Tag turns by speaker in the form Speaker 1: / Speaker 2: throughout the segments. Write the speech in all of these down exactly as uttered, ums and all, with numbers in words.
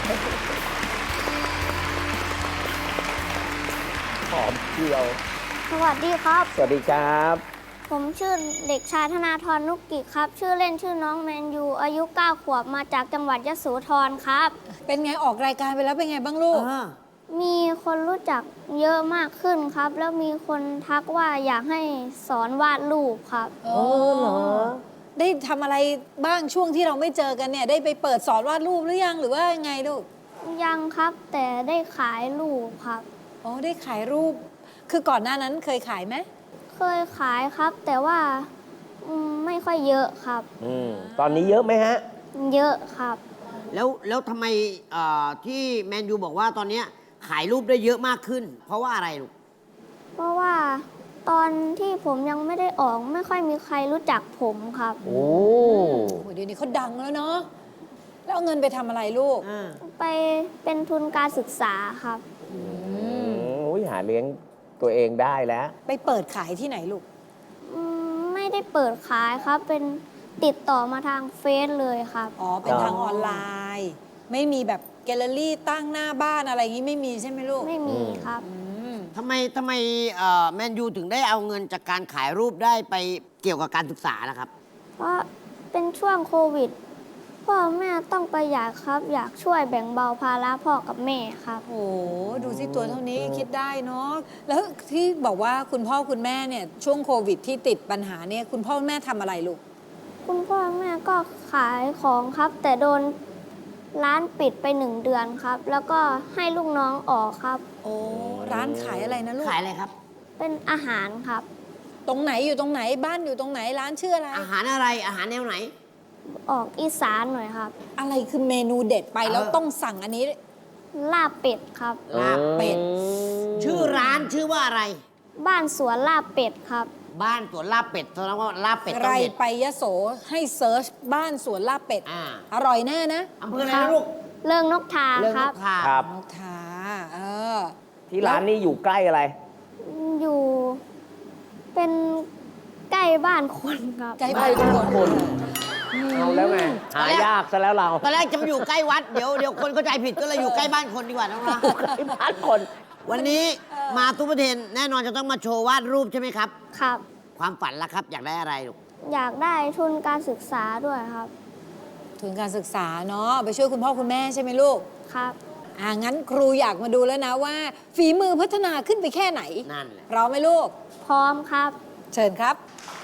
Speaker 1: หอมเจียว
Speaker 2: สวัสดีครับ
Speaker 1: สวัสดีครับ
Speaker 2: ผมชื่อเด็กชายธนาธรนุกกิจครับ ชื่อเล่นชื่อน้องแมนยู อายุเก้าขวบ มาจากจังหวัดยโสธรครับ
Speaker 3: เป็นไงออกรายการไปแล้วเป็นไงบ้างลูก
Speaker 2: มีคนรู้จักเยอะมากขึ้นครับ แล้วมีคนทักว่าอยากให้สอนวาดรูปครับ
Speaker 3: โอ้เหรอ ได้ทำอะไรบ้างช่วงที่เราไม่เจอกันเนี่ย ได้ไปเปิดสอนวาดรูปหรือยังหรือว่ายังไงลูก
Speaker 2: ยังครับ แต่ได้ขายรูปครับ
Speaker 3: อ๋อได้ขายรูป คือก่อนหน้านั้นเคยขายไหม
Speaker 2: เคยขายครับ แต่ว่าอืมไม่ค่อยเยอะครับ
Speaker 1: อืมตอนนี้เยอะไหมฮะ
Speaker 2: เยอะครับ
Speaker 4: แล้วแล้วทำไมเอ่อที่แมนยูบอกว่าตอนเนี้ยขายรูปได้เยอะมากขึ้น เพราะว่าอะไรลูก
Speaker 2: เพราะว่าตอนที่ผมยังไม่ได้ออกไม่ค่อยมีใครรู้จักผมครับ
Speaker 1: โอ้
Speaker 3: โอ้เดี๋ยวนี้เขาดังแล้วเนาะ แล้วเอาเงินไปทำอะไรลูก
Speaker 2: ไปเป็นทุนการศึกษาครับ
Speaker 1: อืมโอ้ยหาเลี้ยงตัวเองได้แล้ว
Speaker 3: ไปเปิดขายที่ไหนลูก
Speaker 2: อืมไม่ได้เปิดขายครับ เป็นติดต่อมาทางเฟซเลยครับ
Speaker 3: อ๋อ เป็น
Speaker 1: อ๋อ
Speaker 3: ทางออนไลน์ ไม่มีแบบแกลเลอรี่ตั้งหน้าบ้านอะไรอย่างนี้ไม่มีใช่ไหมลูก
Speaker 2: ไม่มีครับ
Speaker 3: อืม
Speaker 4: ทำไมทำไมเอ่อแมนยูถึงได้เอาเงินจากการขายรูปได้ไปเกี่ยวกับการศึกษาล่ะครับ
Speaker 2: เพราะเป็นช่วงโควิด พ่อแม่ต้องประหยัดครับ อยากช่วยแบ่งเบาภาระพ่อกับแม่ครับ
Speaker 3: โอ้โหดูสิตัวเท่านี้คิดได้เนาะ แล้วที่บอกว่าคุณพ่อคุณแม่เนี่ยช่วงโควิดที่ติดปัญหาเนี่ยคุณพ่อคุณแม่ทำอะไรลูก
Speaker 2: คุณพ่อแม่ก็ขายของครับ แต่โดนร้านปิดไปหนึ่งเดือนครับ แล้วก็ให้ลูกน้องออกครับ
Speaker 3: โอ้ร้านขายอะไรนะลูก
Speaker 4: ขายอะไรครับ
Speaker 2: เป็นอาหารครับ
Speaker 3: ตรงไหนอยู่ตรงไหนบ้านอยู่ตรงไหนร้านชื่ออะไร
Speaker 4: อาหารอะไรอาหารแนวไหน
Speaker 2: ออกอีสานหน่อยครับ
Speaker 3: อะไรคือเมนูเด็ดไปแล้ว
Speaker 4: เออ
Speaker 3: ต้องสั่งอันนี้
Speaker 2: ลาบเป็ดครับ
Speaker 4: ลาบเป็ด
Speaker 1: อืม
Speaker 4: ชื่อร้านชื่อว่าอะไร
Speaker 2: บ้านสวนลาบเป็ดครับ
Speaker 4: บ้านสวนลาบเป็ดแสดงว่าลาบเป็ด
Speaker 3: ใค
Speaker 4: ต้
Speaker 3: ร
Speaker 4: องเด็ด
Speaker 3: ไปยโสให้เซิร์ชบ้านสวนลาบเป็ด
Speaker 4: อ่า
Speaker 3: อร่อยแน่นะ
Speaker 4: อำเภออะไรนะลูก
Speaker 2: เริงนกทา
Speaker 4: เรื่อง
Speaker 2: คน รับ
Speaker 4: กทา
Speaker 1: ครับ
Speaker 3: นกทาเออ
Speaker 1: ที่ร้านนี้อยู่ใกล้อะไร
Speaker 2: อยู่เป็นใกล้บ้านคนครับ
Speaker 3: ใกล้บ้านคน
Speaker 1: คนเอาแล้วไง หายากซะแล้วเรา
Speaker 4: ตอนแรกจะมาอยู่ใกล้วัดเดี๋ยวเดี๋ยวคนเข้าใจผิดก็เลยอยู่ใกล้บ้านคนดีกว่าน้องนะ
Speaker 1: ใกล้บ้านคน
Speaker 4: วันนี้มาทุกประเทศแน่นอนจะต้องมาโชว์วาดรูปใช่ไหมครับ
Speaker 2: ครับ
Speaker 4: ความฝันล่ะครับ อยากได้อะไรลูก
Speaker 2: อยากได้ทุนการศึกษาด้วยครับ
Speaker 3: ทุนการศึกษาเนาะไปช่วยคุณพ่อคุณแม่ใช่ไหมลูก
Speaker 2: ครับ
Speaker 3: อ่างั้นครูอยากมาดูแล้วนะว่า ฝีมือพัฒนาขึ้นไปแค่ไหน
Speaker 4: นั่นแหละ
Speaker 3: พร้อมไหมลูก
Speaker 2: พร้อมครับ
Speaker 3: เชิญครับ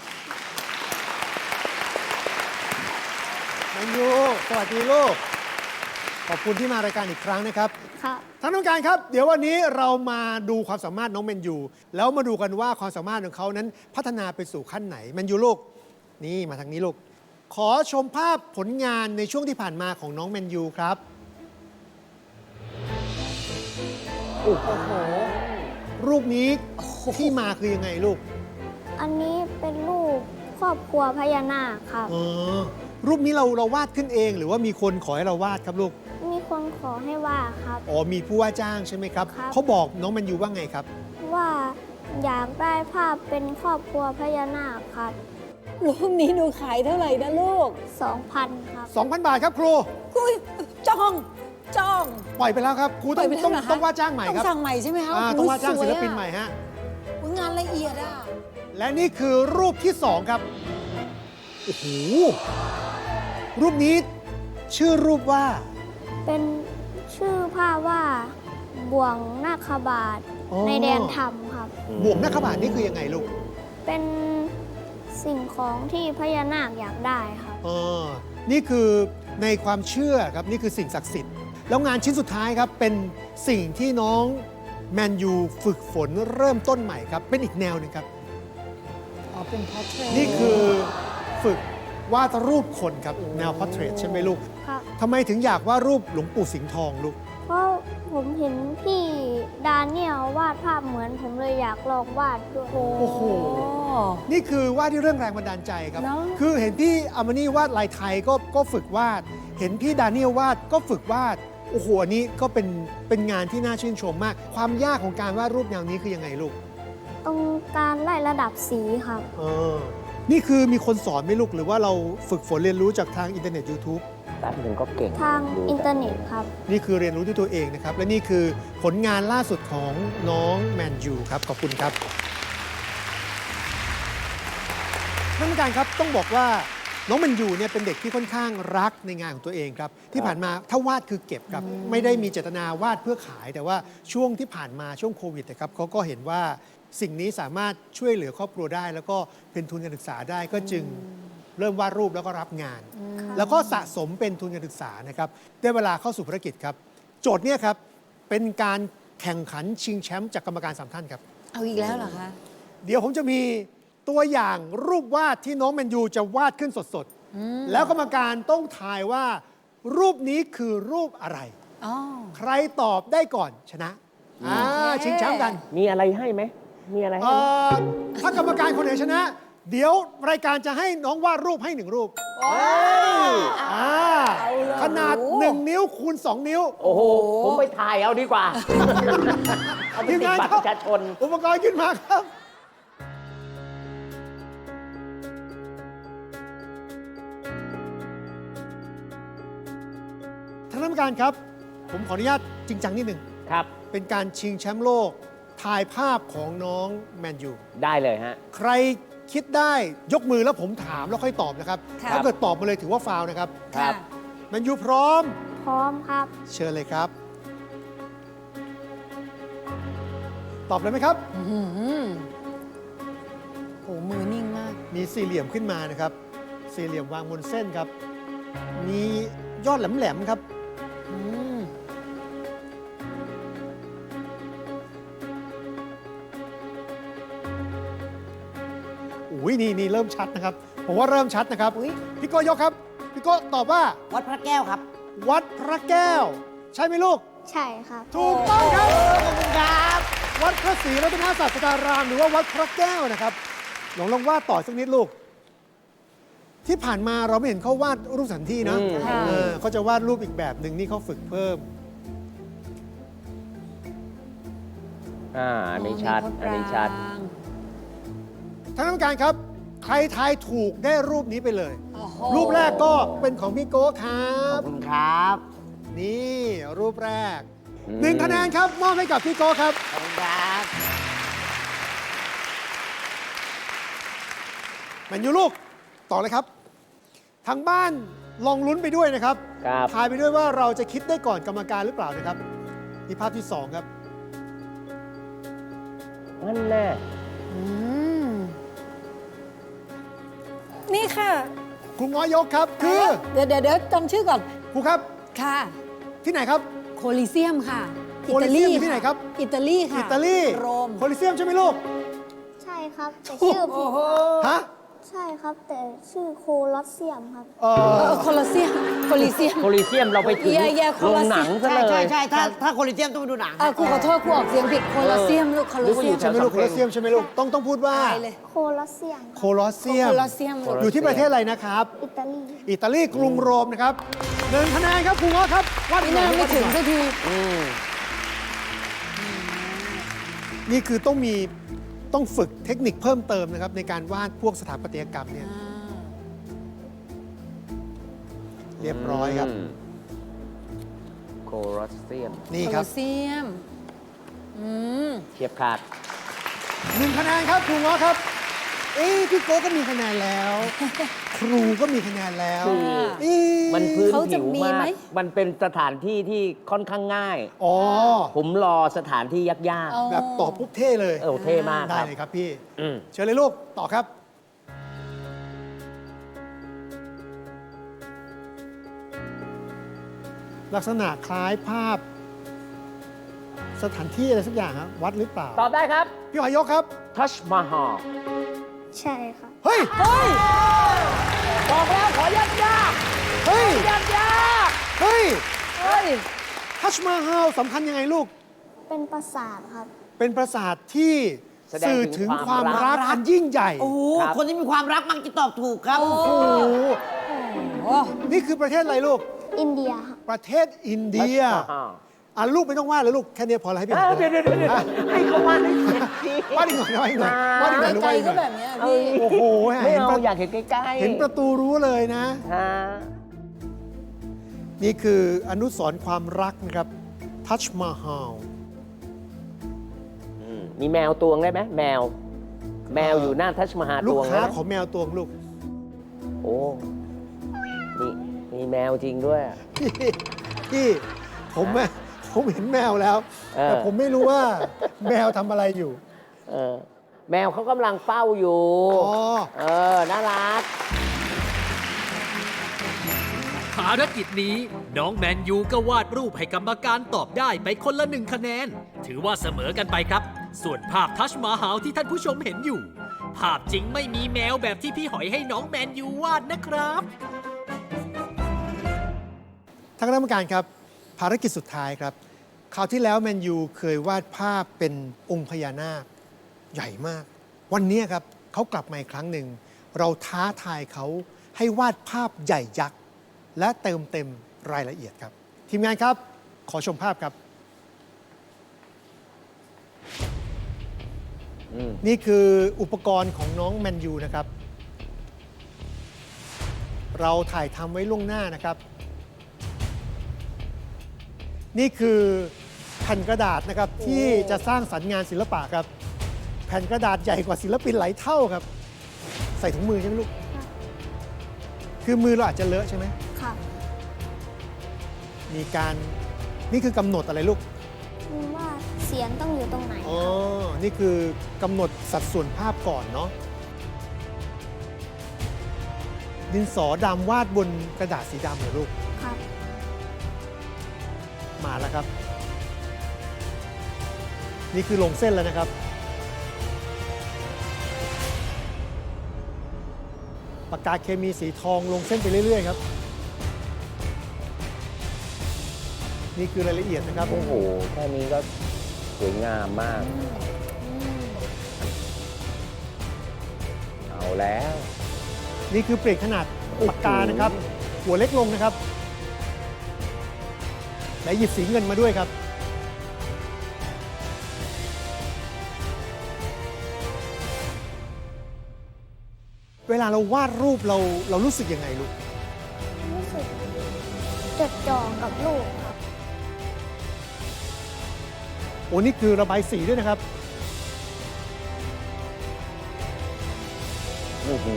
Speaker 5: แมนยูสวัสดีลูก ขอบคุณที่มารายการอีกครั้งนะครับ
Speaker 2: ครับ
Speaker 5: ท่านผู้การครับ เดี๋ยววันนี้เรามาดูความสามารถน้องแมนยูแล้วมาดูกันว่าความสามารถของเขานั้นพัฒนาไปสู่ขั้นไหนแมนยูลูกนี่มาทางนี้ลูก ขอชมภาพผลงานในช่วงที่ผ่านมาของน้องแมนยูครับโอ้โหรูปนี้ที่มาคือยังไงลูก
Speaker 2: อันนี้เป็นรูปครอบครัวพญานาคครับ
Speaker 5: อ๋อรูปนี้เราเราวาดขึ้นเอง หรือว่ามีคนขอให้เราวาดครับลูก
Speaker 2: มีคนขอให้ว่าครับ
Speaker 5: อ๋อ มีผู้ว่าจ้างใช่ไหมครับ
Speaker 2: ครับ
Speaker 5: เขาบอกน้องแมนยูว่าไงครับ
Speaker 2: ว่าอยากได้ภาพเป็นครอบครัวพญานาคครับ
Speaker 3: รูปนี้หนูขายเท่าไหร่นะลูก
Speaker 2: สองพันครับ
Speaker 5: สองพัน บาทครับครู
Speaker 3: คุยจ้องจ้อง
Speaker 5: ปล่อยไปแล้วครับ ครูต้อง
Speaker 3: ปล่อยไปแล้ว
Speaker 5: ต้อง
Speaker 3: เหรอคะ
Speaker 5: ต้องว่าจ้างใหม่
Speaker 3: ต้อง
Speaker 5: ครับ
Speaker 3: สั่งใหม่ใช่ไหมคะ
Speaker 5: อ่า
Speaker 3: โโ
Speaker 5: ต้องว่าจ้าง
Speaker 3: ส
Speaker 5: ศิ
Speaker 3: ย
Speaker 5: ล
Speaker 3: อะ
Speaker 5: ปินใหม่ฮะ
Speaker 3: อุ๊ยงานละเอียดอ่ะ
Speaker 5: และนี่คือรูปที่สองครับ โอ้โห รูปนี้ชื่อรูปว่า
Speaker 2: เป็นชื่อภาพว่าบ่วงนาคบาท
Speaker 5: อ๋อ
Speaker 2: ในแดนธรรมครับ
Speaker 5: บวกนักขบาทนี่คือยังไงลูก
Speaker 2: เป็นสิ่งของที่พญานาคอยากได้ครับ
Speaker 5: อ๋อ นี่คือในความเชื่อครับ นี่คือสิ่งศักดิ์สิทธิ์ แล้วงานชิ้นสุดท้ายครับ เป็นสิ่งที่น้องแมนยูฝึกฝนเริ่มต้นใหม่ครับ เป็นอีกแนวหนึ่งครับ
Speaker 3: อ๋อ เป็นพอเทรต
Speaker 5: นี่คือฝึกวาดรูปคนครับ แนวพอร์เทรตใช่ไหมลูก
Speaker 2: ครับ
Speaker 5: ทำไมถึงอยากวาดรูปหลวงปู่สิงห์ทองลูก
Speaker 2: เพราะผมเห็นพี่ดาเนียลวาดภาพเหมือนผมเลยอยากลองวาดด้วย
Speaker 5: โอ้โห นี่คือวาดที่เรื่องแรงบันดาลใจครับ
Speaker 3: เนอะ
Speaker 5: คือเห็นพี่อามานี่วาดลายไทยก็ก็ฝึกวาด เห็นพี่ดาเนียลวาดก็ฝึกวาด โอ้โหอันนี้ก็เป็นเป็นงานที่น่าชื่นชมมาก ความยากของการวาดรูปแนวนี้คือยังไงลูก
Speaker 2: ตรงการไล่ระดับสีครับ
Speaker 5: เออ นี่คือมีคนสอนไหมลูก หรือว่าเราฝึกฝนเรียนรู้จากทางอินเทอร์เน็ต YouTube
Speaker 1: แป๊บหนึ่งก็เก่ง
Speaker 2: ทาง
Speaker 1: ดู
Speaker 2: อินเทอร์เน็ตครับ
Speaker 5: นี่คือเรียนรู้ด้วยตัวเองนะครับ และนี่คือผลงานล่าสุดของน้องแมนยูครับ ขอบคุณครับท่านผู้การครับต้องบอกว่าน้องแมนยูเนี่ยเป็นเด็กที่ค่อนข้างรักในงานของตัวเองครับ ที่ผ่านมาถ้าวาดคือเก็บครับ ไม่ได้มีเจตนาวาดเพื่อขาย แต่ว่าช่วงที่ผ่านมาช่วงโควิดนะครับเขาก็เห็นว่าสิ่งนี้สามารถช่วยเหลือครอบครัวได้ แล้วก็เป็นทุนการศึกษาได้ก็จึงเริ่มวาดรูปแล้วก็รับงาน แล้วก็สะสมเป็นทุนการศึกษานะครับได้เวลาเข้าสู่ภารกิจครับ โจทย์เนี่ยครับเป็นการแข่งขันชิงแชมป์จากกรรมการสามท่านครับ
Speaker 3: เอาอีกแล้วเหรอคะ
Speaker 5: เดี๋ยวผมจะมีตัวอย่างรูปวาดที่น้องแมนยูจะวาดขึ้นสดๆ แล้วกรรมการต้องทายว่ารูปนี้คือรูปอะไร
Speaker 3: อ๋อ
Speaker 5: ใครตอบได้ก่อนชนะอ่า
Speaker 3: โอเค
Speaker 5: ชิงแชมป์กัน
Speaker 1: มีอะไรให้ไหม มีอะไรให้
Speaker 5: เอ่
Speaker 1: ไหม
Speaker 5: อถ้ากรรมการคนไหนชนะ เดี๋ยวรายการจะให้น้องวาดรูปให้หนึ่งรูปอ่าขนาด หนึ่ง นิ้วคูณ สอง นิ้ว
Speaker 1: โอ้โห ผมไปถ่ายเอาดีกว่า เอาไป
Speaker 5: ทีม
Speaker 1: ติด
Speaker 5: งาน
Speaker 1: บัตร
Speaker 5: ครั
Speaker 1: ป
Speaker 5: บ
Speaker 1: ระชาชน
Speaker 5: อุปกรณ์ขึ้นมาครับ ท่านกรรมการครับ ผมขออนุญาตจริงจังนิดหนึ่ง
Speaker 1: ครับ
Speaker 5: เป็นการชิงแชมป์โลก ถ่ายภาพของน้องแมนยู
Speaker 1: ได้เลยฮะ
Speaker 5: ใครคิดได้ยกมือแล้วผมถามแล้วค่อยตอบนะครับ
Speaker 3: ค่ะ
Speaker 5: ถ้าเกิดตอบมาเลยถือว่าฟาวล์นะครับ
Speaker 1: ครับ
Speaker 5: แมนยูพร้อม
Speaker 2: พร้อมครับ
Speaker 5: เชิญเลยครับ ตอบเลยไหมครับ
Speaker 3: อื้อหือโหมือนิ่งมาก
Speaker 5: มีสี่เหลี่ยมขึ้นมานะครับ สี่เหลี่ยมวางบนเส้นครับ มียอดแหลมๆครับ
Speaker 3: อืม
Speaker 5: อุ้ยนี่นี่เริ่มชัดนะครับ ผมว่าเริ่มชัดนะครับ พี่โก้ยกครับ พี่โก้ตอบว่า
Speaker 4: วัดพระแก้วครับ
Speaker 5: วัดพระแก้ว ใช่ไหมลูก
Speaker 2: ใช่ครับ
Speaker 5: ถูกต้องครับ
Speaker 4: ขอบคุณครับ
Speaker 5: วัดพระศรีรัตนศาสดารามหรือว่าวัดพระแก้วนะครับลองลองวาดต่อสักนิดลูก ที่ผ่านมาเราไม่เห็นเขาวาดรูปสถานที่นะ
Speaker 1: อืม
Speaker 5: เออเขาจะวาดรูปอีกแบบหนึ่งนี่เขาฝึกเพิ่ม
Speaker 1: อ่า อันนี้ชัด
Speaker 3: มีพระป
Speaker 1: อัน
Speaker 3: ราง
Speaker 1: นี้ชัด
Speaker 5: ท่านกรรมการครับ ใครทายถูกได้รูปนี้ไปเลย
Speaker 3: โอ้โห
Speaker 5: รูปแรกก็เป็นของพี่โก้ครั
Speaker 4: ขอ
Speaker 5: บบ
Speaker 4: คุณครับ
Speaker 5: นี่รูปแรก
Speaker 1: อืม
Speaker 5: หนึ่งคะแนนครับมอบให้กับพี่โก้ครับ
Speaker 4: ขอบคุณครับ
Speaker 5: แมนยูลูกต่อเลยครับ ทางบ้านลองลุ้นไปด้วยนะครับ
Speaker 1: ครับ
Speaker 5: ทายไปด้วยว่าเราจะคิดได้ก่อนกรรมการหรือเปล่านะครับนี่ภาพที่สองครับ
Speaker 1: นั่นแน่
Speaker 3: อืมนี่ค่ะ
Speaker 5: ครูง้อยกครับ คือ
Speaker 3: เดี๋ยวเดี๋ยวเดี๋ยวจำชื่อก่อน
Speaker 5: ครูครับ
Speaker 3: ค่ะ
Speaker 5: ที่ไหนครับ
Speaker 3: โคลิเซียมค่ะ
Speaker 5: โคลิเซียมอยู่ที่ไหนครับ
Speaker 3: อิตาลีค่ะ
Speaker 5: อิตาลี
Speaker 3: โรม
Speaker 5: โคลิเซียมใช่ไหมลูก
Speaker 2: ใช่ครับ แต่ชื่อผิด
Speaker 5: ฮะ
Speaker 2: ใช่ครับ แต่ชื่อโคลอสเซียมครับ
Speaker 5: เอ
Speaker 3: เอ
Speaker 5: อ
Speaker 3: อโคลอเซียมโคลิเซียม
Speaker 1: โคลิเซียมเราไปถึง
Speaker 3: เย่เย่โค
Speaker 1: โร
Speaker 3: ล
Speaker 1: ง
Speaker 3: อเซียม
Speaker 1: หนังซะ
Speaker 4: ใช่
Speaker 1: เล
Speaker 4: ใช่
Speaker 1: ย
Speaker 4: ใช่ถ้าถ้าโคลิเซียมต้องไปดูหนัง
Speaker 3: เออครูขอโทษครูออกเสียงผิดโคลอเซียมลูกโคลอเซียม
Speaker 5: ใช่ไหมลูกโคลอเซียมใช่ไหมลูกต้องต้องพูดว่า
Speaker 3: ตายเลย
Speaker 2: โคลอสเซียม
Speaker 5: โคลอสเซียม
Speaker 3: โคลอเซียมลูก
Speaker 5: อยู่ที่ประเทศอะไรนะครับ
Speaker 2: อิตาลี
Speaker 5: อิตาลีกรุงโรมนะครับหนึ่งคะแนนครับครูง้อครับวาด
Speaker 3: ไม่
Speaker 5: หน่
Speaker 3: น่า
Speaker 5: อย
Speaker 3: ไม่ถึง
Speaker 5: วาดหน่
Speaker 3: สั
Speaker 5: อย
Speaker 3: กที
Speaker 1: อืม
Speaker 5: นี่คือต้องมีต้องฝึกเทคนิคเพิ่มเติมนะครับในการวาดพวกสถาปัตยกรรมเนี่ยเรียบร้อยครับ
Speaker 1: มโคลอสเซียม
Speaker 5: นี่
Speaker 3: โค
Speaker 5: ค
Speaker 3: ล
Speaker 5: รั
Speaker 3: อบ เซียม อืม
Speaker 1: เทียบขาด
Speaker 5: หนึ่งคะแนนครับครูง้อครับ เอ้พี่โก้ก็มีคะแนนแล้ว ครูก็มีคะแนนแล้ว
Speaker 1: คือ
Speaker 5: เอ๊ะ
Speaker 1: มันพื้น
Speaker 3: เขาจะ
Speaker 1: ผิว
Speaker 3: มี
Speaker 1: มา
Speaker 3: ไหม
Speaker 1: ก มันเป็นสถานที่ที่ค่อนข้างง่าย
Speaker 5: อ๋อ
Speaker 1: ผมรอสถานที่ยาก
Speaker 3: อ๋อ
Speaker 5: แบบตอบปุ๊บเท่เลย
Speaker 1: ๆ เออเท่มาก
Speaker 5: ได้
Speaker 1: ครับ
Speaker 5: เลยครับพี่
Speaker 1: อืม
Speaker 5: เชิญเลยลูกต่อครับ ลักษณะคล้ายภาพ สถานที่อะไรสักอย่างครับวัดหรือเปล่า
Speaker 1: ตอบได้ครับ
Speaker 5: พี่หอยยกครับ
Speaker 1: ทัชมาฮาล
Speaker 2: ใช่ครับ
Speaker 5: เฮ้ย
Speaker 3: เฮ้ย
Speaker 1: บอกแล้วขอยากยาก
Speaker 5: เฮ้ย
Speaker 1: ยากยาก
Speaker 5: เฮ้ย
Speaker 3: เฮ้ย
Speaker 5: ทัชมาฮาลสำคัญยังไงลูก
Speaker 2: เป็นปราสาทครับ
Speaker 5: เป็นปราสาทที่
Speaker 1: แสดง
Speaker 5: สื่อ
Speaker 1: ถึ
Speaker 5: ถึ
Speaker 1: ง
Speaker 5: งความ ม
Speaker 1: คาวรั
Speaker 5: รั
Speaker 1: ก
Speaker 5: กอันยิ่งใหญ่
Speaker 4: โอ้โห
Speaker 1: ครับ
Speaker 4: คนที่มีความรักมักจะตอบถูกครับ
Speaker 3: โอ้
Speaker 5: โอ้โห
Speaker 3: โอ้
Speaker 5: นี่คือประเทศอะไรลูก
Speaker 2: อินเดียครับ
Speaker 5: ประเทศอินเดีย
Speaker 1: ทัชมาฮาล
Speaker 5: อ่ะลูกไม่ต้องวาดเลยลูก แค่นี้พอแล้วให้พี่ห
Speaker 1: เอ้
Speaker 5: อย
Speaker 1: ยเดี๋ยวเดี๋ยวเดี๋ยวให้เขาวาดให้เสร็จสิ
Speaker 5: วาดอีกหน่อยวาดอีกหน่อยวาดอีกหน่อยลูก
Speaker 3: ไกล
Speaker 5: วาดอีกห
Speaker 3: ก็
Speaker 5: น่อย
Speaker 3: แบบเนี้ย
Speaker 1: เอ
Speaker 3: พี่
Speaker 1: อ
Speaker 5: โอ้โห
Speaker 1: ไม่
Speaker 5: เห็น
Speaker 1: เอา
Speaker 5: ประ
Speaker 1: อยากเห็นใกล้ๆ
Speaker 5: เห็นประตูรู้เลยนะ
Speaker 1: ฮะ
Speaker 5: นี่คืออนุสรณ์ความรักนะครับทัชมาฮาล
Speaker 1: มีแมวตวงได้ไหมแมว แมวอยู่หน้าทัชมาฮาล
Speaker 5: ลู
Speaker 1: ต
Speaker 5: ก
Speaker 1: วงได้
Speaker 5: ค้า
Speaker 1: ไหม
Speaker 5: ของแมวตัวงลูก
Speaker 1: โอ้มีมีแมวจริงด้วยอะ
Speaker 5: พี่พี่ผมอะผมเห็นแมวแล้ว
Speaker 1: เออ
Speaker 5: แต่ผมไม่รู้ว่าแมวทำอะไรอยู่
Speaker 1: เออแมวเขากำลังเฝ้าอยู่
Speaker 5: อ๋อ
Speaker 1: เออ น่ารัก
Speaker 6: ภารกิจนี้น้องแมนยูก็วาดรูปให้กรรมการตอบได้ไปคนละหนึ่งคะแนน ถือว่าเสมอกันไปครับ ส่วนภาพทัชมาฮาลที่ท่านผู้ชมเห็นอยู่ ภาพจริงไม่มีแมวแบบที่พี่หอยให้น้องแมนยูวาดนะครับ
Speaker 5: ท่านคณะกรรมการครับ ภารกิจสุดท้ายครับ คราวที่แล้วแมนยูเคยวาดภาพเป็นองค์พญานาคใหญ่มาก วันนี้ครับเขากลับมาอีกครั้งหนึ่ง เราท้าทายเขาให้วาดภาพใหญ่ยักษ์และเติมเต็มรายละเอียดครับ ทีมงานครับ ขอชมภาพครับ นี่คืออุปกรณ์ของน้องแมนยูนะครับ เราถ่ายทำไว้ล่วงหน้านะครับ นี่คือแผ่นกระดาษนะครับที่จะสร้างสรรค์งานศิลปะครับ แผ่นกระดาษใหญ่กว่าศิลปินหลายเท่าครับ ใส่ถุงมือใช่ไหมลูก คือมือเราอาจจะเลอะใช่ไหม
Speaker 2: ค่ะ
Speaker 5: มีการนี่คือกำหนดอะไรลูก
Speaker 2: ว่าเสียงต้องอยู่ตรงไหน
Speaker 5: อ๋อ นี่คือกำหนดสัดส่วนภาพก่อนเนาะ ดินสอดำวาดบนกระดาษสีดำเหรอลูก
Speaker 2: ครับ
Speaker 5: มาแล้วครับ นี่คือลงเส้นแล้วนะครับ ปากกาเคมีสีทองลงเส้นไปเรื่อยๆครับ นี่คือรายละเอียดนะครับ
Speaker 1: โอ้โห แค่นี้ก็สวยงามมาก เอาแล้ว
Speaker 5: นี่คือเปลี่ยนขนาดปากกานะครับ หัวเล็กลงนะครับ และหยิบสีเงินมาด้วยครับ เวลาเราวาดรูปเราเรารู้สึกยังไงลูก
Speaker 2: รู้สึกจดจ่อกับลูกครับ
Speaker 5: โอ้นี่คือระบายสีด้วยนะครับ
Speaker 1: โอ้โห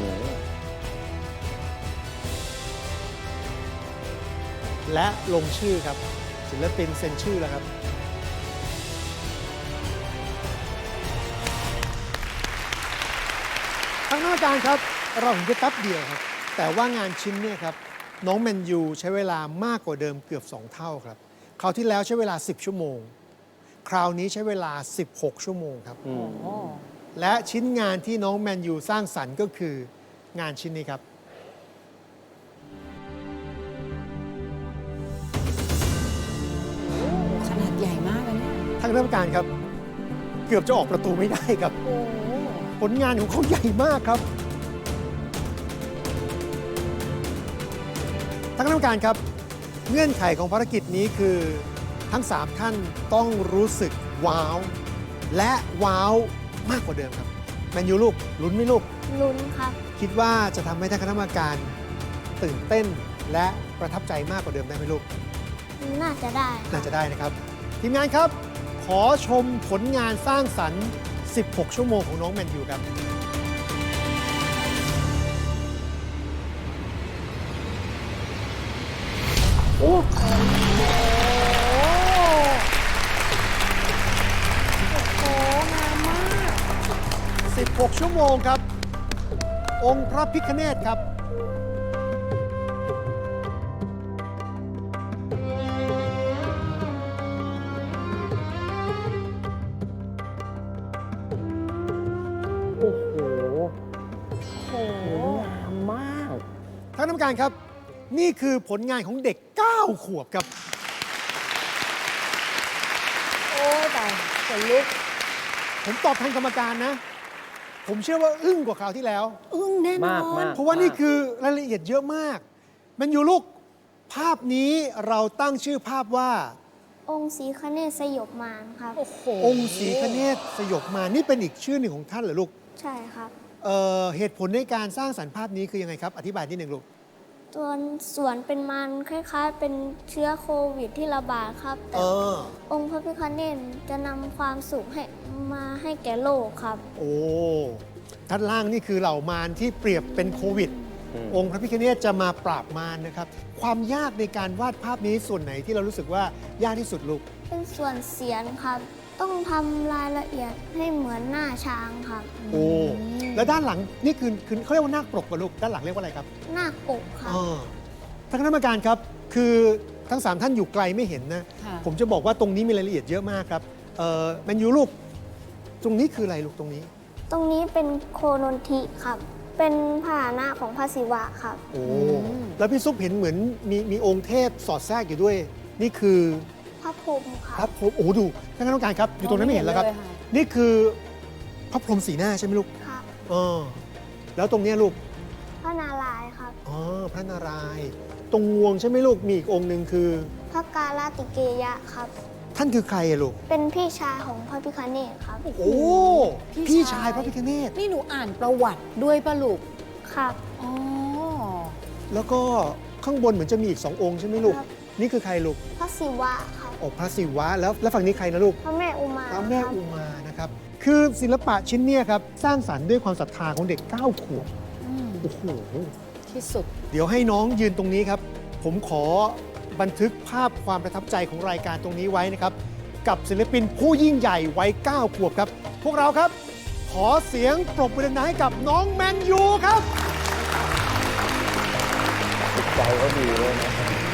Speaker 5: และลงชื่อครับ ศิลปินเซ็นชื่อแล้วครับ ทางหน้าการครับ เราเห็นแค่แป๊บเดียวครับ แต่ว่างานชิ้นเนี่ยครับ น้องแมนยูใช้เวลามากกว่าเดิมเกือบ สอง เท่าครับ คราวที่แล้วใช้เวลา สิบ ชั่วโมง คราวนี้ใช้เวลา สิบหก ชั่วโมงครับ และชิ้นงานที่น้องแมนยูสร้างสรรค์ก็คืองานชิ้นนี้ครับ
Speaker 3: ขนาดใหญ่มากเลยเนี่ย
Speaker 5: ทางคณะกรรมการครับ เกือบจะออกประตูไม่ได้ครับ
Speaker 3: โอ้
Speaker 5: ผลงานของเขาใหญ่มากครับท่านคณะกรรมการครับ เงื่อนไขของภารกิจนี้คือทั้งสามท่านต้องรู้สึกว้าว และว้าวมากกว่าเดิมครับ แมนยูลูกลุ้นไหมลูก
Speaker 2: ลุ้นครับ
Speaker 5: คิดว่าจะทำให้ท่านคณะกรรมการตื่นเต้นและประทับใจมากกว่าเดิมได้ไหมลูก
Speaker 2: น่าจะได้
Speaker 5: น่าจะได้นะครับ ทีมงานครับ ขอชมผลงานสร้างสรรค์ สิบหก ชั่วโมงของน้องแมนยูครับ
Speaker 1: โอ้
Speaker 5: สิบหก ชั่วโมงครับ องค์พระพิฆเนศครับ
Speaker 1: โอ้โหสวยงามมาก
Speaker 5: ท่านกรรมการครับ นี่คือผลงานของเด็ก เก้า ขวบครับ
Speaker 3: โอ้ยแต่ขนลุก
Speaker 5: ผมตอบแทนกรรมการนะ ผมเชื่อว่าอึ้งกว่าคราวที่แล้ว
Speaker 3: อึ้งแน่นอ
Speaker 1: มาก
Speaker 3: น
Speaker 1: มาก
Speaker 5: เพราะว่านี่คือรายละเอียดเยอะมาก มันอยู่ลูก ภาพนี้เราตั้งชื่อภาพว่า
Speaker 2: องค์ศรีคเนศสยบมารครับ
Speaker 3: โอ้โห
Speaker 5: องค์ศรีคเนศสยบมารนี่เป็นอีกชื่อหนึ่งของท่านเหรอลูก
Speaker 2: ใช่ครับ
Speaker 5: เอ่อเหตุผลในการสร้างสรรค์ภาพนี้คือยังไงครับ อธิบายนิดหนึ่งลูก
Speaker 2: ส่วนส่วนเป็นมันคล้ายๆ เป็นเชื้อโควิดที่ระบาดครับ
Speaker 5: เอ
Speaker 2: แต่
Speaker 5: อ
Speaker 2: องค์พระพิฆเนศจะนำความสุขให้มาให้แก่โลกครับ
Speaker 5: โอ้ด้านล่างนี่คือเหล่ามารที่เปรียบเป็นโควิด
Speaker 1: อืม
Speaker 5: องค์พระพิฆเนศจะมาปราบมารนะครับ ความยากในการวาดภาพนี้ส่วนไหนที่เรารู้สึกว่ายากที่สุดลูก
Speaker 2: เป็นส่วนเสียนครับ ต้องทำรายละเอียดให้เหมือนหน้าช้างครับ
Speaker 5: โอ้ แล้วด้านหลังนี่คือคือเขาเรียกว่านาคปรกกับลูก ด้านหลังเรียกว่าอะไรครับ
Speaker 2: หน้าปกครับ
Speaker 5: อ่าท่านคณะกรรมการครับ คือทั้งสามท่านอยู่ไกลไม่เห็นนะ
Speaker 3: ค่ะ
Speaker 5: ผมจะบอกว่าตรงนี้มีรายละเอียดเยอะมากครับเออแมนยูลูก ตรงนี้คืออะไรลูกตรงนี้
Speaker 2: ตรงนี้เป็นโคนนทิครับ เป็นพาหนะของพระศิวะครับ
Speaker 5: โอ้ แล้วพี่ซุปเห็นเหมือนมีมีองค์เทพสอดแทรกอยู่ด้วย นี่คือ
Speaker 2: พระพรหมค
Speaker 5: พ
Speaker 2: รั
Speaker 5: ระ
Speaker 2: บ
Speaker 5: พรหมโอ้ดูท่านคณะกรรมการครับ อยู่ตรงนั้นไม่เห็นแล้วครับ
Speaker 3: มองไม่เห็นเลยค่ะ
Speaker 5: นี่คือพระพรหมสีหน้าใช่ไหมลูก
Speaker 2: ครับ
Speaker 5: เออแล้วตรงเนี้ยลูก
Speaker 2: พระนารายณ์ครับ
Speaker 5: อ๋อ พระนารายณ์ตรงงวงใช่ไหมลูก มีอีกองค์หนึ่งคือ
Speaker 2: พระกาลติเกยะครับ
Speaker 5: ท่านคือใครอะลูก
Speaker 2: เป็นพี่ชายของพระพิฆเนศครับ
Speaker 5: โอ้
Speaker 3: พี่
Speaker 5: พี่
Speaker 3: ชา
Speaker 5: ชาย ยพระพิฆเนศ
Speaker 3: นี่หนูอ่านประวัติด้วยปะลูก
Speaker 2: ครับ
Speaker 3: อ๋อ
Speaker 5: แล้วก็ข้างบนเหมือนจะมีอีกสององค์ใช่ไหมลูก
Speaker 2: ครับ
Speaker 5: นี่คือใครลูก
Speaker 2: พระศิวะครับ
Speaker 5: โอ้พระศิวะแล้วแล้วฝั่งนี้ใครนะลูก
Speaker 2: พระแม่อุมา
Speaker 5: พระแม่
Speaker 2: ครับ
Speaker 5: อุมานะครับ คือศิลปะชิ้นเนี้ยครับ สร้างสรรค์ด้วยความศรัทธาของเด็กเก้าขวบ
Speaker 3: อืม
Speaker 5: โอ้โห
Speaker 3: ที่สุด
Speaker 5: เดี๋ยวให้น้องยืนตรงนี้ครับ ผมขอบันทึกภาพความประทับใจของรายการตรงนี้ไว้นะครับ กับศิลปินผู้ยิ่งใหญ่วัยเก้าขวบครับ พวกเราครับ ขอเสียงปรบมือดังๆให้กับน้องแมนยูครับ
Speaker 1: จิตใจก็ดีเลยนะ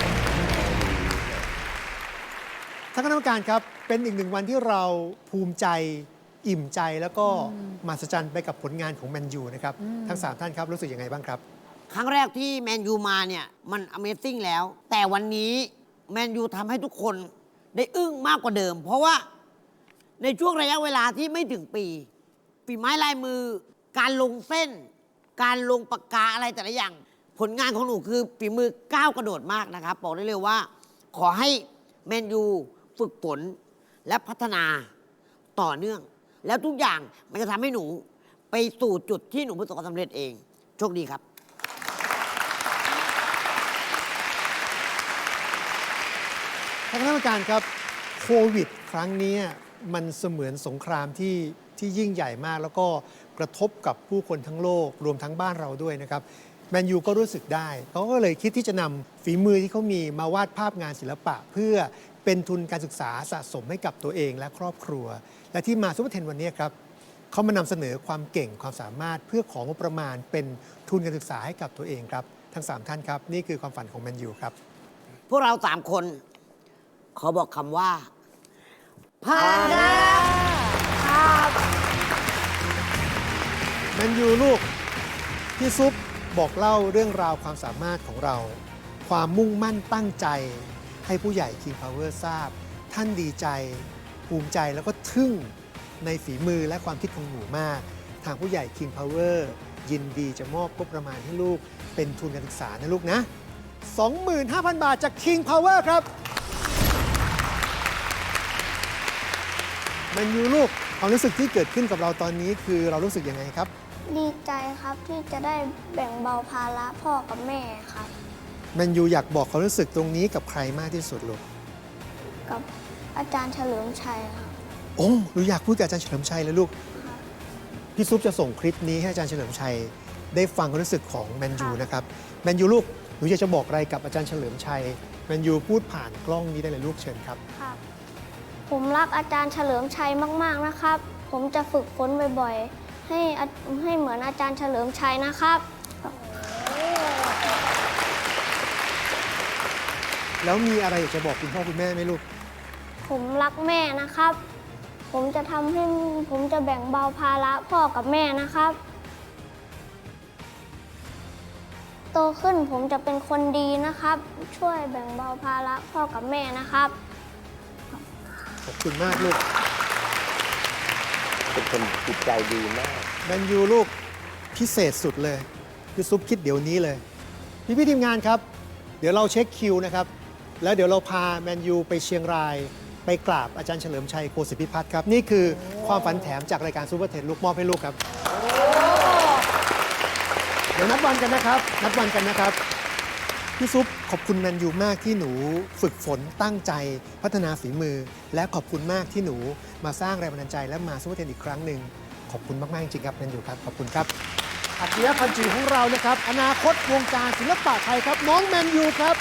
Speaker 5: ท่านคณะกรรมการครับ เป็นอีกหนึ่งวันที่เราภูมิใจอิ่มใจแล้วก็มหัศจรรย์ไปกับผลงานของแมนยูนะครับ ทั้งสามท่านครับรู้สึกยังไงบ้างครับ
Speaker 4: ครั้งแรกที่แมนยูมาเนี่ย มัน Amazing แล้ว แต่วันนี้แมนยูทำให้ทุกคนได้อึ้งมากกว่าเดิม เพราะว่าในช่วงระยะเวลาที่ไม่ถึงปี ฝีไม้ลายมือ การลงเส้น การลงปากกาอะไรแต่ละอย่าง ผลงานของหนูคือฝีมือก้าวกระโดดมากนะครับ บอกได้เลยว่า ขอให้แมนยูฝึกฝนและพัฒนาต่อเนื่อง แล้วทุกอย่างมันจะทำให้หนูไปสู่จุดที่หนูประสบความสำเร็จเอง โชคดีครับ
Speaker 5: ท่านคณะกรรมการครับโควิดครั้งนี้มันเสมือนสงครามที่ที่ยิ่งใหญ่มาก แล้วก็กระทบกับผู้คนทั้งโลกรวมทั้งบ้านเราด้วยนะครับแมนยูก็รู้สึกได้ เขาก็เลยคิดที่จะนำฝีมือที่เขามีมาวาดภาพงานศิลปะ เพื่อเป็นทุนการศึกษาสะสมให้กับตัวเองและครอบครัว และที่มาซูเปอร์เทนวันนี้ครับเขามานำเสนอความเก่งความสามารถเพื่อของงบประมาณเป็นทุนการศึกษาให้กับตัวเองครับทั้งสามท่านครับนี่คือความฝันของแมนยูครับ
Speaker 4: พวกเราสามคน ขอบอกคำว่าผ่านครับ
Speaker 5: แมนยูลูกพี่ซุปบอกเล่าเรื่องราวความสามารถของเรา ความมุ่งมั่นตั้งใจ ให้ผู้ใหญ่ King Power ทราบ ท่านดีใจ ภูมิใจแล้วก็ทึ่งในฝีมือและความคิดของหนูมาก ทางผู้ใหญ่ King Power ยินดีจะมอบงบประมาณให้ลูกเป็นทุนการศึกษานะลูกนะ สองหมื่นห้าพัน บาทจาก King Power ครับแมนยูลูกความรู้สึกที่เกิดขึ้นกับเราตอนนี้คือเรารู้สึกยังไงครับ
Speaker 2: ดีใจครับที่จะได้แบ่งเบาภาระพ่อกับแม่ครับ
Speaker 5: แมนยูอยากบอกความรู้สึกตรงนี้กับใครมากที่สุดลูก
Speaker 2: กับอาจารย์เฉลิมชัยครับ
Speaker 5: โอ้หนูอยากพูดกับอาจารย์เฉลิมชัยเลยลูก พี่ซุปจะส่งคลิปนี้ให้อาจารย์เฉลิมชัย ได้ฟังความรู้สึกของแมนยูนะครับ แมนยูลูก หนูอยากจะบอกอะไรกับอาจารย์เฉลิมชัย แมนยูพูดผ่านกล้องนี้ได้เลยลูกเชิญครับ
Speaker 2: ครับ ผมรักอาจารย์เฉลิมชัยมาก ๆ นะครับ ผมจะฝึกฝนบ่อยๆ ให้อาให้เหมือนอาจารย์เฉลิมชัยนะครับ
Speaker 5: แล้วมีอะไรอยากจะบอกคุณพ่อคุณแม่ไหมลูก
Speaker 2: ผมรักแม่นะครับ ผมจะทำให้ผมจะแบ่งเบาภาระพ่อกับแม่นะครับ โตขึ้นผมจะเป็นคนดีนะครับ ช่วยแบ่งเบาภาระพ่อกับแม่นะครับ
Speaker 5: ขอบคุณมากลูก
Speaker 1: เป็นคนจิตใจดีมาก
Speaker 5: แมนยูลูกพิเศษสุดเลยพี่ซุปคิดเดี๋ยวนี้เลย พี่พี่ทีมงานครับ เดี๋ยวเราเช็คคิวนะครับ แล้วเดี๋ยวเราพาแมนยูไปเชียงราย ไปกราบอาจารย์เฉลิมชัยโคสิทธิพิพัฒน์ครับ นี่คือความฝันแถมจากรายการซูเปอร์เทนลูกมอบให้ลูกครับ เดี๋ยวนัดวันกันนะครับ นัดวันกันนะครับพี่ซุปขอบคุณแมนยูมากที่หนูฝึกฝนตั้งใจพัฒนาฝีมือ และขอบคุณมากที่หนูมาสร้างแรงบันดาลใจและมาซูเปอร์เทนอีกครั้งหนึ่งขอบคุณมากๆจริงๆครับแมนยูครับขอบคุณครับอัจฉริยะพันจีของเรานะครับอนาคตวงการศิลปะไทยครับน้องแมนยูครับ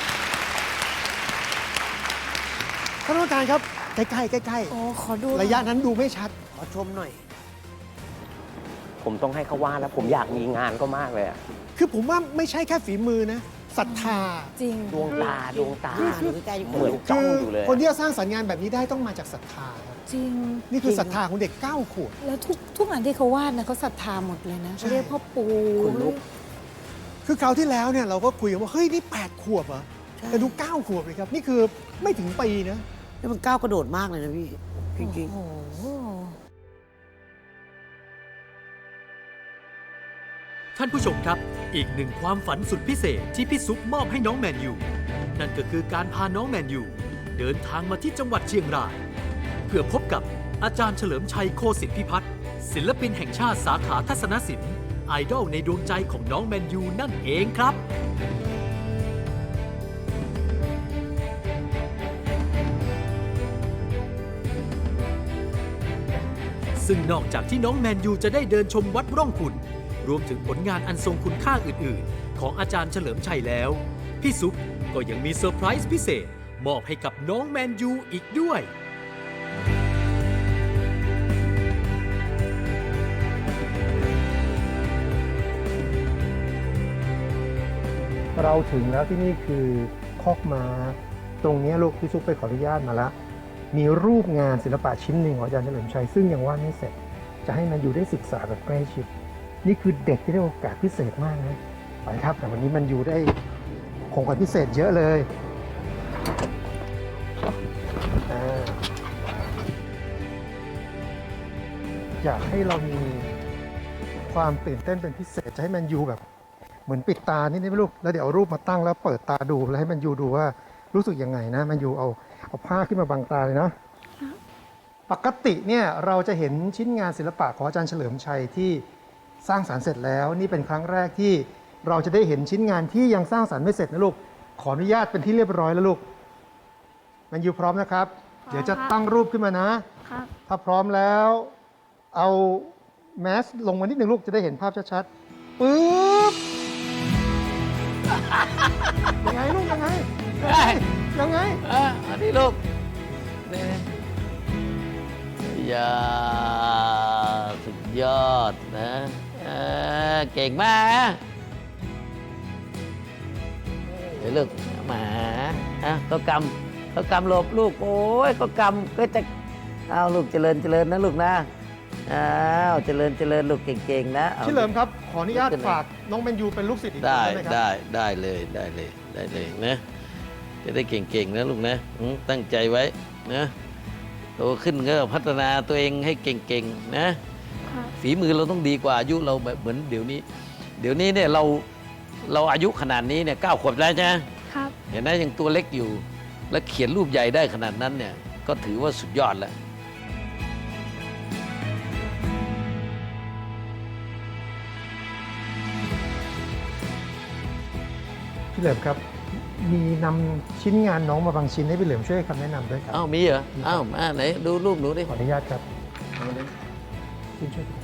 Speaker 5: ท่านผู้การครับใกล้ๆใกล้
Speaker 3: โอ้ขอดู
Speaker 5: ๆระยะนั้นดูไม่ชัด
Speaker 4: ขอชมหน่อย
Speaker 1: ผมต้องให้เขาวาดแล้วผมอยากมีงานก็มากเลยอะ
Speaker 5: คือผมว่าไม่ใช่แค่ฝีมือนะศรัทธา
Speaker 3: จริง
Speaker 1: ดวงตาดวงตา
Speaker 4: คือคือใกล้ๆ
Speaker 1: เหมือนจ้องอยู่เลย
Speaker 5: คนที่จะสร้างสรรค์งานแบบนี้ได้ต้องมาจากศรัทธาครับ
Speaker 3: จริง
Speaker 5: นี่คือศรัทธาของเด็กเก้าขวบ
Speaker 3: แล้วทุกทุกอันที่เขาวาดนะเขาศรัทธาหมดเลยนะ
Speaker 5: ใช่
Speaker 3: เขาเรียกพ่อปู่
Speaker 4: ขนลุก
Speaker 5: คือคราวที่แล้วเนี่ยเราก็คุยกันว่าเฮ้ยนี่แปดขวบเหรอ
Speaker 4: ใช่
Speaker 5: แต่ดูเก้าขวบเลยครับนี่คือไม่ถึงปีนะ
Speaker 4: นี่มันก้าวกระโดดมากเลยนะพี่ จริง
Speaker 3: โอ้โห
Speaker 6: ท่านผู้ชมครับ อีกหนึ่งความฝันสุดพิเศษที่พี่ซุปมอบให้น้องแมนยูนั่นก็คือการพาน้องแมนยูเดินทางมาที่จังหวัดเชียงรายเพื่อพบกับอาจารย์เฉลิมชัยโคสิทธิพิพัฒน์ศิลปินแห่งชาติสาขาทัศนศิลป์ไอดอลในดวงใจของน้องแมนยูนั่นเองครับ ซึ่งนอกจากที่น้องแมนยูจะได้เดินชมวัดร่องขุ่นรวมถึงผลงานอันทรงคุณค่าอื่น ๆ ของอาจารย์เฉลิมชัยแล้ว พี่ซุปก็ยังมีเซอร์ไพรส์พิเศษ มอบให้กับน้องแมนยูอีกด้วย
Speaker 5: เราถึงแล้วที่นี่คือคอกม้าตรงนี้ลูกพี่ซุปไปขออนุญาตมาแล้วมีรูปงานศิลปะชิ้นหนึ่งของอาจารย์เฉลิมชัยซึ่งยังวาดไม่เสร็จ จะให้มันอยู่ได้ศึกษาแบบใกล้ชิดนี่คือเด็กที่ได้โอกาสพิเศษมากนะไปครับแต่วันนี้มันอยู่ได้ของขวัญพิเศษเยอะเลยอ่าอยากให้เรามีความตื่นเต้นเป็นพิเศษจะให้มันอยู่แบบเหมือนปิดตานิดนึงลูกแล้วเดี๋ยวเอารูปมาตั้งแล้วเปิดตาดูแล้วให้มันอยู่ดูว่ารู้สึกยังไงนะมันอยู่เอาเอาผ้าขึ้นมาบังตาเลยนะปกติเนี่ยเราจะเห็นชิ้นงานศิลปะของอาจารย์เฉลิมชัยที่สร้างสรรค์เสร็จแล้วนี่เป็นครั้งแรกที่เราจะได้เห็นชิ้นงานที่ยังสร้างสรรค์ไม่เสร็จนะลูกขออนุญาตเป็นที่เรียบร้อยแล้วลูกมันอยู่พร้อมนะครับ เดี๋ยวจะตั้งรูปขึ้นมานะครับ ถ้าพร้อมแล้วเอาแมสลงมานิดหนึ่งลูกจะได้เห็นภาพชัดๆปึ๊บยังไงลูกยังไงยังไง
Speaker 7: อ่ะอันนี้ลูกนี่ยาสุดยอดนะอ่าเก่งมากเดี๋ยวลูกหมาอ่ะก็กำก็กำหลบลูกโอ้ยก็กำก็จะเอาลูกเจริญเจริญนะลูกนะอ้าวเจริญเจริญลูกเก่งๆนะอา
Speaker 5: พี่เหลิมครับขออนุญาตฝากน้องแมนยูเป็นลูกศิษย์อีกคน
Speaker 7: ได้
Speaker 5: ได้ไหมครับ
Speaker 7: ได้ได้เลยได้เลยได้เลยนะจะได้เก่งๆนะลูกนะอืมตั้งใจไว้นะโตขึ้นก็พัฒนาตัวเองให้เก่งๆนะครับ ฝีมือเราต้องดีกว่าอายุเราแบบเหมือนเดี๋ยวนี้ เดี๋ยวนี้เนี่ยเราเราอายุขนาดนี้เนี่ยเก้าขวบแล้วใช่ไหม
Speaker 2: ครับ
Speaker 7: เห็นไหมยังตัวเล็กอยู่ แล้วเขียนรูปใหญ่ได้ขนาดนั้นเนี่ยก็ถือว่าสุดยอดแล้ว
Speaker 5: พี่เหลิมครับ มีนำชิ้นงานน้องมาบางชิ้นให้พี่เหลิมช่วยให้คำแนะนำด้วยครับ
Speaker 7: อ้าวมีเหรออ้าวมาไหนดูรูปหนูดิ
Speaker 5: ขออนุญาตครับคุณช่วยดู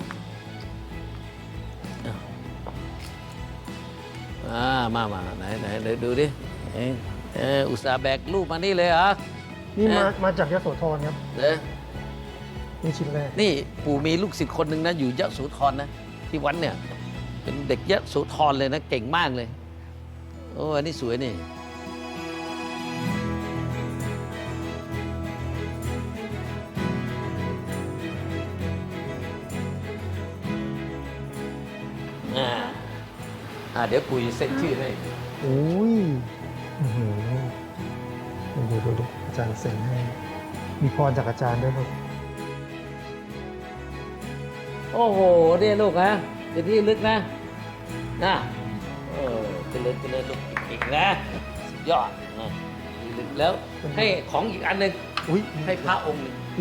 Speaker 7: อ่ามามาไหนไหนไหนดูดิเอ้ยเอออุตส่าห์แบกรูปมานี่เลยเหรอ
Speaker 5: นี่มา
Speaker 7: เอ๊ะ
Speaker 5: มาจากยโสธรครับ
Speaker 7: เด้อ
Speaker 5: นี่ชิ้นแรก
Speaker 7: นี่ปู่มีลูกศิษย์คนหนึ่งนะอยู่ยะโสธรนะที่วัดเนี่ยเป็นเด็กยะโสธรเลยนะเก่งมากเลยโอ้อันนี้สวยนี่อ่าอ่าเดี๋ยวปู่จะเซ็นชื่อให้
Speaker 5: โอ้ยอื้อหือดูดูดูอาจารย์เซ็นให้ มีพรจากอาจารย์ด้วยลูก
Speaker 7: โอ้โหเนี่ยลูกนะเป็นที่ลึกนะนะเออเจริญเจริญลูกอีกนะสุดยอดนะลึกแล้วให้ของอีกอันหนึ่ง
Speaker 5: อุ้ย
Speaker 7: ให้พระองค์หนึ่ง
Speaker 5: โอ้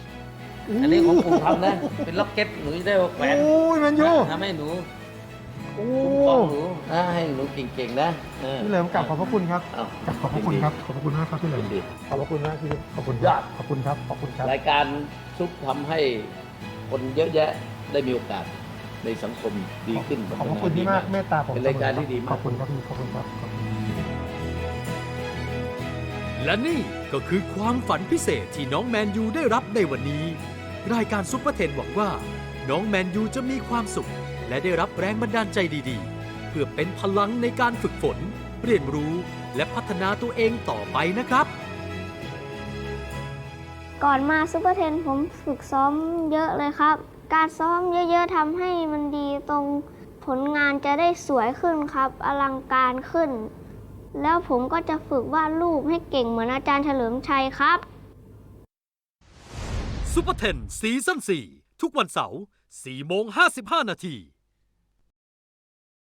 Speaker 7: อันนี้ของปู่ทำนะ เป็นล็อกเก็ตหนูจะได้แขวน
Speaker 5: โอ้ยแมนยู
Speaker 7: ทำให้หนู
Speaker 5: โอ้
Speaker 7: คุ้มครองหนูนะให้หนูเก่งๆนะออ
Speaker 5: พี่เหลิมกลับขอบพระคุณครับ
Speaker 7: เอ้าก
Speaker 5: ลับขอบพระคุณครับ ขอบพระคุณมากครับพี่เหลิม
Speaker 7: ยินดี
Speaker 5: ขอบพระคุณมากพี่ขอบคุณ
Speaker 7: ยอด
Speaker 5: ขอบคุณครับ ขอบคุณครับ
Speaker 7: รายการซุปทำให้คนเยอะแยะได้มีโอกาสในสังคมดีขึ้น
Speaker 5: ขอบพระคุณที่มากเมตตาผม
Speaker 7: เป็นรายการที่ดีมาก
Speaker 5: ขอบคุณครับพี่ขอบคุณครับขอบคุณ
Speaker 6: และนี่ก็คือความฝันพิเศษที่น้องแมนยูได้รับในวันนี้ รายการซุปเปอร์เทนหวังว่า น้องแมนยูจะมีความสุข และได้รับแรงบันดาลใจดีๆ เพื่อเป็นพลังในการฝึกฝน เรียนรู้และพัฒนาตัวเองต่อไปนะครับ
Speaker 2: ก่อนมาซุปเปอร์เทนผมฝึกซ้อมเยอะเลยครับ การซ้อมเยอะๆทำให้มันดีตรงผลงานจะได้สวยขึ้นครับ อลังการขึ้น แล้วผมก็จะฝึกวาดรูปให้เก่งเหมือนอาจารย์เฉลิมชัยครับ
Speaker 6: ซุปเปอร์เทนซีซั่นสี่ทุกวันเสาร์สี่โมงห้าสิบห้านาที